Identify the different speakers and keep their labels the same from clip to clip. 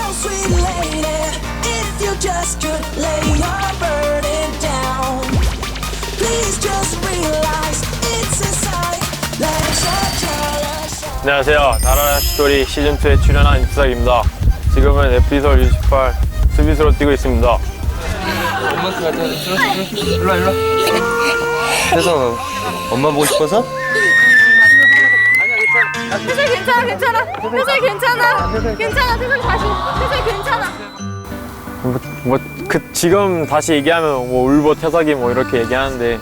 Speaker 1: sweet lady, if you just could lay your burden down. Please just realize it's inside. Let's all
Speaker 2: 안녕하세요. 다라라 슈토리 시즌2에 출연한 이프삭입니다. 지금은 에피소드 68 수비수로 뛰고 있습니다.
Speaker 3: 엄마한테 가자. 일로와. 그래서 엄마 보고 싶어서?
Speaker 4: 태석이 괜찮아. 태석이 괜찮아. 태석이 다시. 태석이 괜찮아.
Speaker 2: 지금 다시 얘기하면 뭐 울보 태석이 뭐 이렇게 얘기하는데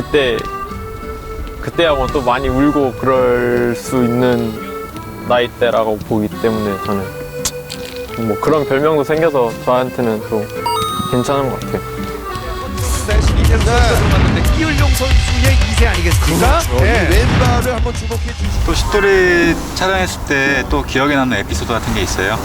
Speaker 2: 그때하고 또 많이 울고 그럴 수 있는 나이대라고 보기 때문에 저는 뭐 그런 별명도 생겨서 저한테는 또 괜찮은 것 같아요.
Speaker 5: 이재성 선수가 들어갔는데 이을용 선수의 2세 아니겠습니까? 네.
Speaker 6: 왼발을 한번 주목해 주시죠.
Speaker 7: 또 슛돌이 촬영했을 때 또 기억에 남는 에피소드 같은 게 있어요?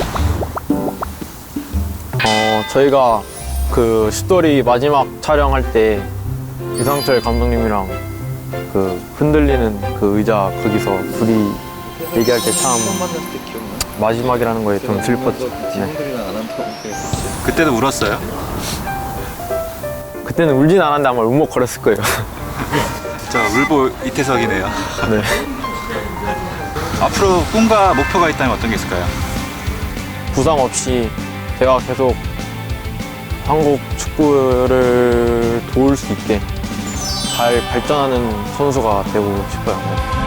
Speaker 2: 저희가 그 슛돌이 마지막 촬영할 때 유상철 감독님이랑 그 흔들리는 그 의자 거기서 둘이 얘기할 때 참 마지막이라는 거에 좀 슬펐죠. 네.
Speaker 7: 그때도 울었어요?
Speaker 2: 그때는 울진 않았는데 아마 울먹거렸을 거예요.
Speaker 7: 진짜 울보 이태석이네요.
Speaker 2: 네.
Speaker 7: 앞으로 꿈과 목표가 있다면 어떤 게 있을까요?
Speaker 2: 부상 없이 제가 계속 한국 축구를 도울 수 있게 잘 발전하는 선수가 되고 싶어요.